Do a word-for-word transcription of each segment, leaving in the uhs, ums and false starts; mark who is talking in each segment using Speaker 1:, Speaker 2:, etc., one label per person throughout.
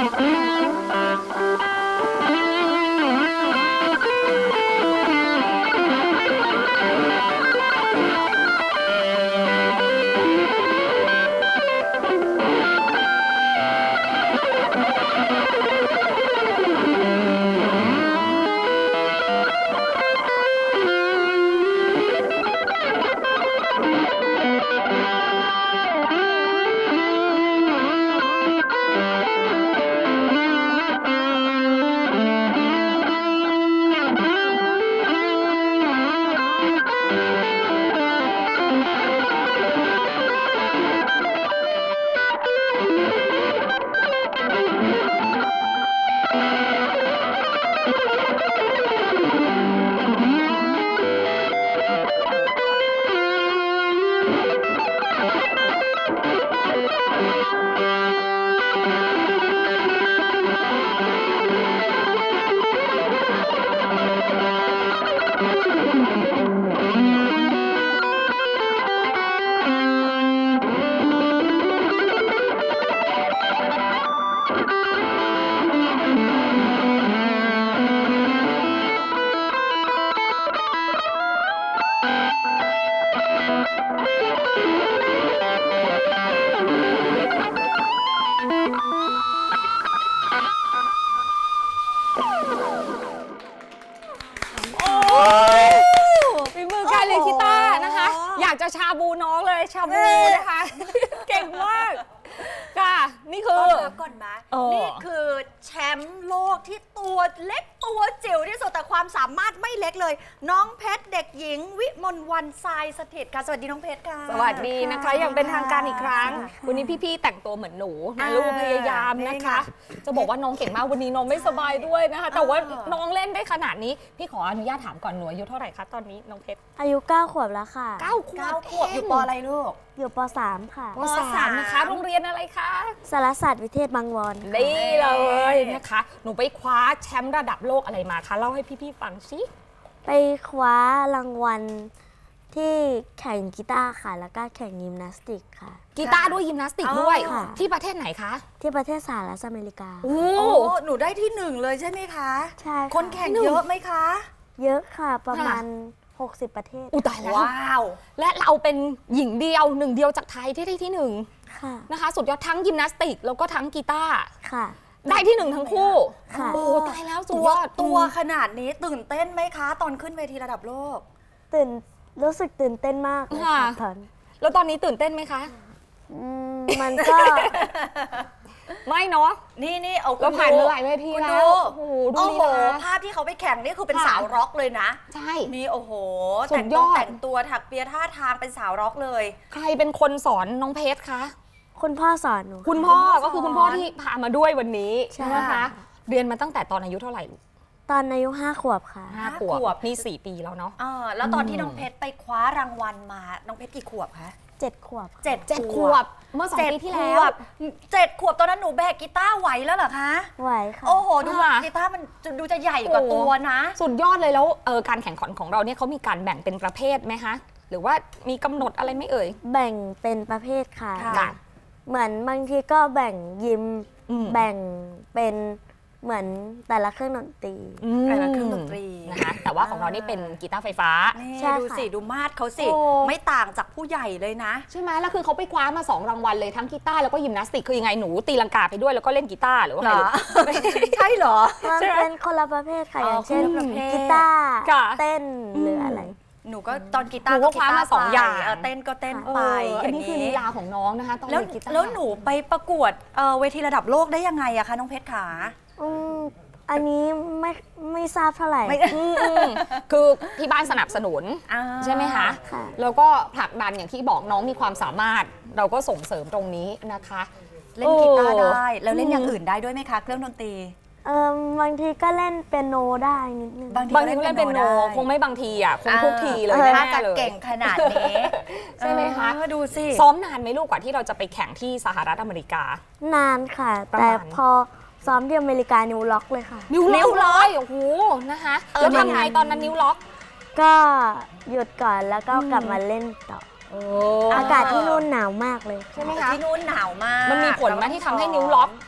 Speaker 1: จะชาบูน้องเลยชาบูนะคะเก่งมากค่ะนี่คือ
Speaker 2: ก่อนนะนี่คือแชมป์โลกที่ตัวเล็กตัวจิ๋วที่สุดแต่ความสามารถไม่เล็กเลยน้องเพชรเด็กหญิงวิมลวรรณทรายสถิตค่ะสวัสดีน้องเพชรค่ะ
Speaker 1: สวัสดีนะคะอย่างเป็นทางการอีกครั้งวันนี้พี่ๆแต่งตัวเหมือนหนูนะลูกพยายามนะคะจะบอกว่าน้องเก่งมากวันนี้น้องไม่สบายด้วยนะคะแต่ว่าน้องเล่นได้ขนาดนี้พี่ขออนุญาตถามก่อนหนูอายุเท่าไหร่คะตอนนี้น้องเพชร
Speaker 3: อายุเก้าขวบแล้วค่ะ
Speaker 1: เก้าขวบ
Speaker 2: ขวบอยู่ปออะไรลูก
Speaker 3: อยู่ปสามค่ะ
Speaker 1: ปสามนะคะโรงเรียนอะไรคะ
Speaker 3: สารศาสตร์วิเทศบางวอน
Speaker 1: ดีเลยนะคะหนูไปคว้าแชมป์ระดับโลกอะไรมาคะเล่าให้พี่ๆฟังสิ
Speaker 3: ไปคว้ารางวัลที่แข่งกีตาร์ค่ะแล้วก็แข่งยิมนาสติกค่ะ
Speaker 1: กีตาร์ด้วยยิมนาสติกด้วยที่ประเทศไหนคะ
Speaker 3: ที่ประเทศสหรัฐอเมริกา
Speaker 2: โอ้หนูได้ที่หนึ่งเลยใช่ไหมคะ
Speaker 3: ใช่
Speaker 2: คนแข่งเยอะไหมคะ
Speaker 3: เยอะค่ะประมาณหกสิบประเทศ
Speaker 1: อุตายแล้ว
Speaker 2: ว้าว
Speaker 1: และเราเป็นหญิงเดียวหนึ่งเดียวจากไทยที่ได้ที่หนึ่งนะคะสุดยอดทั้งยิมนาสติกแล้วก็ทั้งกีตาร์
Speaker 3: ค่ะ
Speaker 1: ได้ที่หนึ่งทั้งคู่โอ้ตายแล้วสุดยอด
Speaker 2: ตัวขนาดนี้ตื่นเต้นไหมคะตอนขึ้นเวทีระดับโลก
Speaker 3: ตื่นรู้สึกตื่นเต้นมากเลยค่ะตอน
Speaker 1: แล้วตอนนี้ตื่นเต้นไหมคะ
Speaker 3: มันก็
Speaker 1: ไม่เนาะ
Speaker 2: นี่นี่เอา
Speaker 1: ก็ผ่านมาหลายเวทีแล้ว
Speaker 2: โอ้โหโอ้โหภาพที่เขาไปแข่งนี่คือเป็นสาวร็อกเลยนะ
Speaker 1: ใช่
Speaker 2: นี่โอ้โหแต่งตัวแต่งตัวถักเปียท่าทางเป็นสาวร็อกเลย
Speaker 1: ใครเป็นคนสอนน้องเพชรคะ
Speaker 3: คุณพ่อสอนหนู
Speaker 1: คุณพ่อก็คือคุณพ่อที่พามาด้วยวันนี้ใช่ไหมคะเรียนมาตั้งแต่ตอนอายุเท่าไหร่
Speaker 3: ตอนอายุห้าขวบค่ะ
Speaker 1: ห้าขวบนี่สี่ปีแล้วเนาะ
Speaker 2: แล้วตอนที่น้องเพชรไปคว้ารางวัลมาน้องเพชรกี่ขวบคะ
Speaker 3: เจ็ดขวบ
Speaker 2: เจ็ด
Speaker 1: เจ็ดขวบเมื่อสองปีที่แล้ว
Speaker 2: เจ็ดขวบตอนนั้นหนูแบกกีตาร์ไหวแล้วเหรอคะ
Speaker 3: ไหวค่ะ
Speaker 2: โอ้โหดูกีตาร์มันดูจะใหญ่กว่าตัวนะ
Speaker 1: สุดยอดเลยแล้วเออการแข่งขันของเราเนี่ยเขามีการแบ่งเป็นประเภทไหมคะหรือว่ามีกำหนดอะไรไม่เอ่ย
Speaker 3: แบ่งเป็นประเภทค่ะเหมือนบางทีก็แบ่งยิมแบ่งเป็นเหมือนแต่ละเครื่องดนตรี
Speaker 2: แต่ละเครื่องดนตรี
Speaker 1: นะคะแต่ว่าของเรานี่เป็นกีตาร์ไฟฟ้า
Speaker 2: ใช่ดูสิดูมาดเขาสิไม่ต่างจากผู้ใหญ่เลยนะ
Speaker 1: ใช่ไหมแล้วคือเขาไปคว้ามาสองรางวัลเลยทั้งกีตาร์แล้วก็ยิมนาสติกคือยังไงหนูตีลังกาไปด้วยแล้วก็เล่นกีตาร์หรือว่าไง
Speaker 2: ใช่เหรอ
Speaker 3: มันเป็นคนละประเภทค่ะอย่างเช่นกีตาร์เต้นหรืออะไร
Speaker 2: หนูก็ตอนกีตาร์
Speaker 1: ก็คว้ามาสองอย่าง
Speaker 2: เต้นก็เต้นไป
Speaker 1: อันนี้คือลีลาของน้องนะคะตอนเล่นกีตาร์
Speaker 2: แล้วหนูไปประกวดเวทีระดับโลกได้ยังไงอะคะน้องเพชรขา
Speaker 3: อันนี้ไม่ไม่ทราบเท่าไหร่
Speaker 1: คือที่บ้านสนับสนุนใช่ไหมคะแล้วก็ผลักดันอย่างที่บอกน้องมีความสามารถเราก็ส่งเสริมตรงนี้นะคะ
Speaker 2: เล่นกีตาร์ได้แล้วเล่นอย่างอื่นได้ด้วยไหมคะเครื่องดนตรี
Speaker 3: เออบางทีก็เล่นเปียโนได้นิดนึง
Speaker 1: บางทีก็เล่นเปียโนคงไม่บางทีอ่ะคงทุกทีเลย
Speaker 2: ถ้าจะเก่งขนาดนี้
Speaker 1: ใช่ไหมคะ
Speaker 2: ดูสิ
Speaker 1: ซ้อมนานไหมลูกกว่าที่เราจะไปแข่งที่สหรัฐอเมริก
Speaker 3: านานค่ะแต่พอซ้อมที่อเมริกานิ้วล็อกเลยค่ะ
Speaker 1: นิ้วล็อกโอ้โหนะคะแล้วทำไงตอนนั้นนิ้วล็อก
Speaker 3: ก็หยุดก่อนแล้วก็กลับมาเล่นต่ออากาศที่นู่นหนาวมากเลย
Speaker 2: ใช่ไหมคะที่นู่นหนาวมาก
Speaker 1: มันมีผลไหมที่ทำให้นิ้วล็อก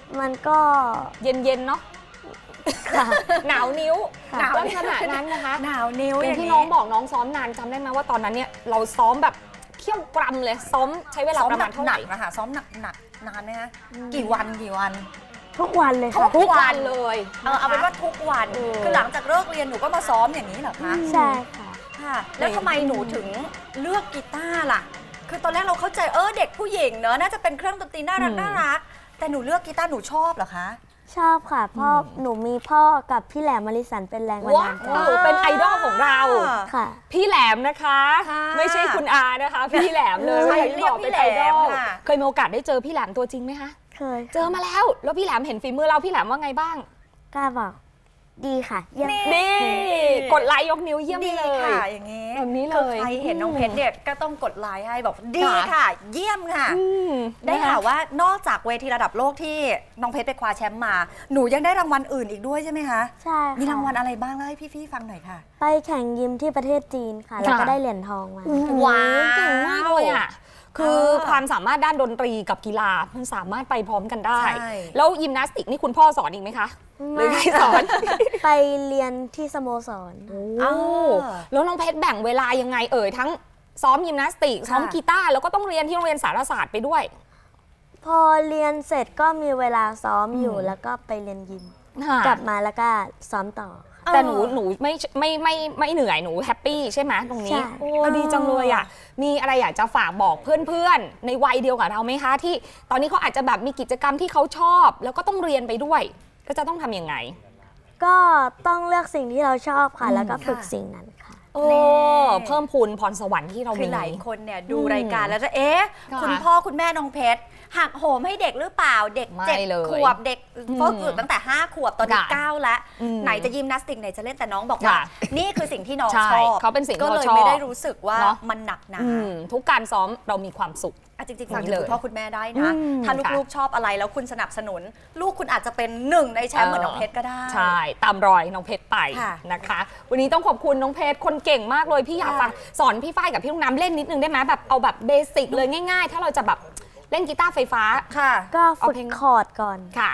Speaker 3: มันก็
Speaker 1: เย็นๆเนาะ
Speaker 3: ค่ะ
Speaker 1: หนาวนิ้ว
Speaker 3: ค่ะ
Speaker 1: ลักษณะนั้นนะคะ
Speaker 2: หนาวนิ้ว
Speaker 1: อ
Speaker 2: อย่าง ย่าง
Speaker 1: ที่
Speaker 2: นี้
Speaker 1: น้องบอกน้องซ้อมนานจำได้ไหมว่าตอนนั้นเนี่ยเราซ้อมแบบเขี่ยวกรำเลยซ้อมใช้เวลา
Speaker 2: ซ้อม
Speaker 1: ประ
Speaker 2: ห
Speaker 1: มา
Speaker 2: นั
Speaker 1: ณ
Speaker 2: ก
Speaker 1: เท่า
Speaker 2: ห
Speaker 1: ไห
Speaker 2: นั
Speaker 1: ร่
Speaker 2: กนะคะซ้อมหนักหนักนานไหมคะกี่วันกี่วัน
Speaker 3: ทุกวันเลยค่ะ
Speaker 1: ทุกวันเลย
Speaker 2: เออเอาเป็นว่าทุกวัน
Speaker 1: เออ
Speaker 2: คือหลังจากเลิกเรียนหนูก็มาซ้อมอย่างนี้เหรอคะ
Speaker 3: ใช่ค่ะ
Speaker 2: ค่ะ แล้วทำไมหนูถึงเลือกกีตาร์ล่ะ คือตอนแรกเราเข้าใจเออเด็กผู้หญิงเนอะน่าจะเป็นเครื่องดนตรีน่ารักน่ารักแต่หนูเลือกกีตาร์หนูชอบเหรอคะ
Speaker 3: ชอบค่ะเพ่อหนูมีพ่อกับพี่แหลมมาริสันเป็นแรงบัน
Speaker 1: ว้า
Speaker 3: ดาลใจ
Speaker 1: วเป็นไอดอลของเรา
Speaker 3: ค่ะ
Speaker 1: พี่แหลมนะคะ
Speaker 2: ค่ะ
Speaker 1: ไม่ใช่คุณอานะคะ พี่แหลมเลย
Speaker 2: ใช่
Speaker 1: อย่างที่บอกเป็นไอดอล
Speaker 2: เรียกพี่แหลมค่ะ
Speaker 1: เคยมีโอกาสได้เจอพี่แหลมตัวจริงไหมคะ
Speaker 3: เคย
Speaker 1: เจอมาแล้ว แล้วพี่แหลมเห็นฝีมือเราพี่แหลมว่าไงบ้าง
Speaker 3: กล้าบอกดีค่ะเยี่ยม
Speaker 1: นี่กดไลค์ยกนิ้วเยี่ยม
Speaker 2: ดี
Speaker 1: เลย
Speaker 2: ค่ะอย่างนี้
Speaker 1: แบบนี้เลย
Speaker 2: คือใครเห็นน้องเพชรเนี่ยก็ต้องกดไลค์ให้บอกดี
Speaker 1: ค่ะ
Speaker 2: ค่ะ เยี่ยมค่ะ
Speaker 1: อืม
Speaker 2: ได้
Speaker 1: นะคะ
Speaker 2: ข่าวว่านอกจากเวทีระดับโลกที่น้องเพชรไปคว้าแชมป์มา หนูยังได้รางวัลอื่นอีกด้วยใช่ไหมคะ
Speaker 3: ใช่ค่ะ
Speaker 2: มีรางวัลอะไรบ้างเล่าให้พี่ๆฟังหน่อยค่ะ
Speaker 3: ไปแข่งยิมที่ประเทศจีนค่ะ แล้วก็ได้เหรียญทองมา
Speaker 2: ว้าว
Speaker 1: เก่งมากเลยอ่ะ คือ
Speaker 2: เออ
Speaker 1: ความสามารถด้านดนตรีกับกีฬา มันสามารถไปพร้อมกันได้
Speaker 2: ใช่
Speaker 1: แล้วยิมนาสติกนี่คุณพ่อสอนอีกไหมคะ หรือใครสอน
Speaker 3: ไปเรียนที่สโมสร
Speaker 1: โอ้แล้วน้องเพชรแบ่งเวลายังไงเอ่ยทั้งซ้อมยิมนาสติก ซ้อมกีตาร์แล้วก็ต้องเรียนที่โรงเรียนสารศาสตร์ไปด้วย
Speaker 3: พอเรียนเสร็จก็มีเวลาซ้อมอยู่
Speaker 1: อืม
Speaker 3: แล้วก็ไปเรียนยิม
Speaker 1: ค่ะ
Speaker 3: กลับมาแล้วก็ซ้อมต่อ
Speaker 1: แต่หนูหนูไม่ไม่ไม่ไม่เหนื่อยหนูแฮปปี้ใช่ไหมตรงนี้
Speaker 3: ใช่
Speaker 1: โอ้ดีจังเลยอ่ะมีอะไรอยากจะฝากบอกเพื่อนๆ ในวัยเดียวกับเราไหมคะ ที่ตอนนี้เขาอาจจะแบบมีกิจกรรมที่เขาชอบ แล้วก็ต้องเรียนไปด้วย ก็จะต้องทำยังไง
Speaker 3: ก็ต้องเลือกสิ่งที่เราชอบค่ะ
Speaker 1: อืม
Speaker 3: แล้วก็ฝึก
Speaker 2: ค่ะ
Speaker 3: สิ่งนั้นค่ะ
Speaker 1: โอ้เพิ่มพูนพรสวรรค์ที่เรา
Speaker 2: คือ
Speaker 1: มี
Speaker 2: หลายคนเนี่ยดู
Speaker 1: อืม
Speaker 2: รายการแล้วจะเอ๊ะ
Speaker 1: ค่ะ
Speaker 2: คุณพ่อคุณแม่น้องเพชรหักโหมให้เด็กหรือเปล่าเด็ก
Speaker 1: ไม่
Speaker 2: เจ็ด
Speaker 1: เลย
Speaker 2: ขวบเด็ก
Speaker 1: อืม
Speaker 2: เฟิร์สฝึกตั้งแต่ห้าขวบตอนนี้
Speaker 1: ค่ะ
Speaker 2: เก้าแล้ว
Speaker 1: อืม
Speaker 2: ไหนจะยิมนาสติกไหนจะเล่นแต่น้องบอกว่า
Speaker 1: ค่ะ
Speaker 2: นี่คือสิ่งที่น้อง
Speaker 1: ใช่
Speaker 2: ชอบ
Speaker 1: เขาเป็นสิ่งที่
Speaker 2: ก็เลย
Speaker 1: เขาชอบ
Speaker 2: ไม่ได้รู้สึกว่า
Speaker 1: เนอะ
Speaker 2: มันหนักหนา
Speaker 1: อืมทุกการซ้อมเรามีความสุข
Speaker 2: อ่ะจริงๆฟัง
Speaker 1: นี่
Speaker 2: จาก
Speaker 1: เลย
Speaker 2: คุณพ่อคุณแม่ได้นะ
Speaker 1: อืม
Speaker 2: ถ้า
Speaker 1: ค่ะ
Speaker 2: ลูกๆชอบอะไรแล้วคุณสนับสนุน ลูกคุณอาจจะเป็นหนึ่งในแชมป์เหมือนน้องเพชรก็ได้
Speaker 1: ใช่ ตามรอยน้องเพชรไป
Speaker 2: ค่ะ
Speaker 1: นะคะ วันนี้ต้องขอบคุณน้องเพชรคนเก่งมากเลยพี่อยาก
Speaker 2: ค่ะ
Speaker 1: ฟังสอนพี่ฝ้ายกับพี่ลูกน้ำเล่นนิดนึงได้ไหมแบบเอาแบบเบสิกเลยง่ายๆ ถ้าเราจะแบบเล่นกีตาร์ไฟฟ้า
Speaker 2: ค่ะ
Speaker 3: ก็ฝึ
Speaker 1: เอา
Speaker 3: ก
Speaker 1: เพลง
Speaker 3: คอร์ดก่อน
Speaker 1: ค่ะ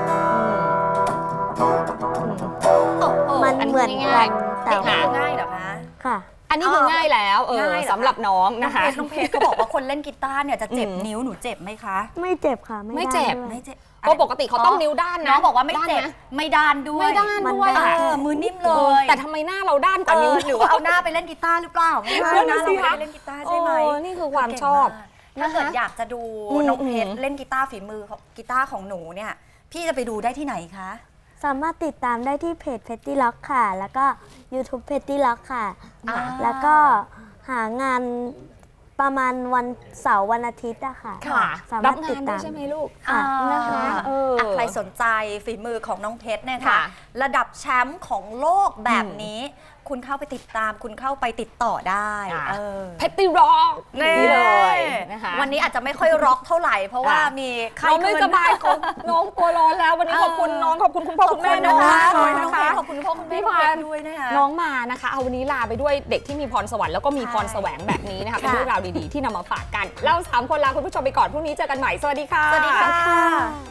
Speaker 3: มัน
Speaker 1: อันนี้
Speaker 3: เหมือน
Speaker 1: ง่าย
Speaker 3: กัน
Speaker 1: ๆ
Speaker 3: แต่
Speaker 2: เด็ก
Speaker 3: ว่า
Speaker 2: นี่คือง่ายเหรอคะ
Speaker 3: ค่ะ
Speaker 1: อันนี้คือง่ายแล้วเออ
Speaker 2: ง่ายเหรอคะ
Speaker 1: สำหรับน้อง
Speaker 2: น้อง
Speaker 1: นะคะ
Speaker 2: เพชรน้องเพชรเขาบอกว่าคนเล่นกีตาร์เนี่ยจะเจ็บ
Speaker 1: อืม
Speaker 2: นิ้วหนูเจ็บไหมคะ
Speaker 3: ไม่เจ็บค่ะ ไม่
Speaker 1: ไม่
Speaker 3: ด้
Speaker 1: เจ็บ
Speaker 3: ด้วย
Speaker 2: ไม่เจ็บ
Speaker 1: เพราะปกติเขาต้องนิ้วด้าน
Speaker 2: น้
Speaker 1: นะ
Speaker 2: องบอกว่าไม่เจ็บ
Speaker 1: ด้นนะ
Speaker 2: ไม่ด้านด้วย
Speaker 1: ไม่ด้าน
Speaker 3: มัน
Speaker 1: ด้วย
Speaker 3: ด้าน
Speaker 2: เออมือนิ่มเล
Speaker 1: เออย แต่ทำไมหน้าเราด้านก
Speaker 2: เอ
Speaker 1: ว่านิ้ว
Speaker 2: อหรือว่าเอาหน้าไปเล่นกีตาร์หรือเปล่าไม่ใช่
Speaker 1: นั่น
Speaker 2: นะ
Speaker 1: น่ะ
Speaker 2: เรา
Speaker 1: สิ
Speaker 2: ไม่
Speaker 1: คะ
Speaker 2: ได้เล่นกีตาร์ใช่ไหม
Speaker 1: โอ้นี่คือความชอบ
Speaker 2: เก่งมากถ้าเกิด
Speaker 1: นะคะ
Speaker 2: อยากจะดู
Speaker 1: อืม
Speaker 2: น้องเพชร
Speaker 1: อืม
Speaker 2: เล่นกีตาร์ฝีมือของกีตาร์ของหนูเนี่ยพี่จะไปดูได้ที่ไหนคะ
Speaker 3: สามารถติดตามได้ที่เพจ Petty Lock ค่ะ แล้วก็ YouTube Petty Lock ค่ะ
Speaker 2: อ่า
Speaker 3: แล้วก็หางานประมาณวันเสาร์วันอาทิตย์อะค่ะ
Speaker 1: ค่ะ
Speaker 3: สา
Speaker 1: รั
Speaker 3: มาร
Speaker 1: บ
Speaker 3: ถ
Speaker 1: งา
Speaker 3: ติด
Speaker 1: นด้ว
Speaker 3: ตาย ม
Speaker 1: ใช่ไหมลูก
Speaker 3: ค่ะ
Speaker 1: นะคะเอออ่
Speaker 2: ะใครสนใจฝีมือของน้องเพชรเนี่ยค่ะ
Speaker 1: ค่ะ
Speaker 2: ระดับแชมป์ของโลกแบบนี้ คุณเข้าไปติดตาม คุณเข้าไปติดต่อได้
Speaker 1: ค่ะ
Speaker 2: เออ
Speaker 1: เพตตี้ร็อกนี่เลยนะคะ
Speaker 2: วันนี้อาจจะไม่ค่อยร็อกเท่าไหร่ เพราะว่า
Speaker 1: ค่ะ
Speaker 2: มีไข้
Speaker 1: น้องไม่
Speaker 2: ขึ้น
Speaker 1: สบายเขาน้องตัวร้อนแล้ววันนี้
Speaker 2: เออ
Speaker 1: ขอบคุณน้องขอบคุณคุณพ่อ
Speaker 2: ขอ
Speaker 1: คุ
Speaker 2: บ
Speaker 1: ณ
Speaker 2: คุ
Speaker 1: แม่
Speaker 2: ณ
Speaker 1: นะ
Speaker 2: นะคะ คะ
Speaker 1: ขอบคุณ
Speaker 2: น้อง
Speaker 1: นะ
Speaker 2: เพช
Speaker 1: คะ
Speaker 2: รขอบคุณพ่อคุณแม่
Speaker 1: พี่
Speaker 2: น้อง
Speaker 1: พา
Speaker 2: เพ
Speaker 1: น
Speaker 2: ชรด้วยนะคะ
Speaker 1: น้องมานะคะเอาวันนี้ลาไปด้วยเด็กที่มีพรสวรรค์แล้วก็มีพรแสวงแบบนี้นะคะเป็นเรื่องราวดีๆที่นำมาฝากกันเราสามคนลาคุณผู้ชมไปก่อนพรุ่งนี้เจอกันใหม่สวัสดีค่ะ
Speaker 2: สวัสดีค่ะ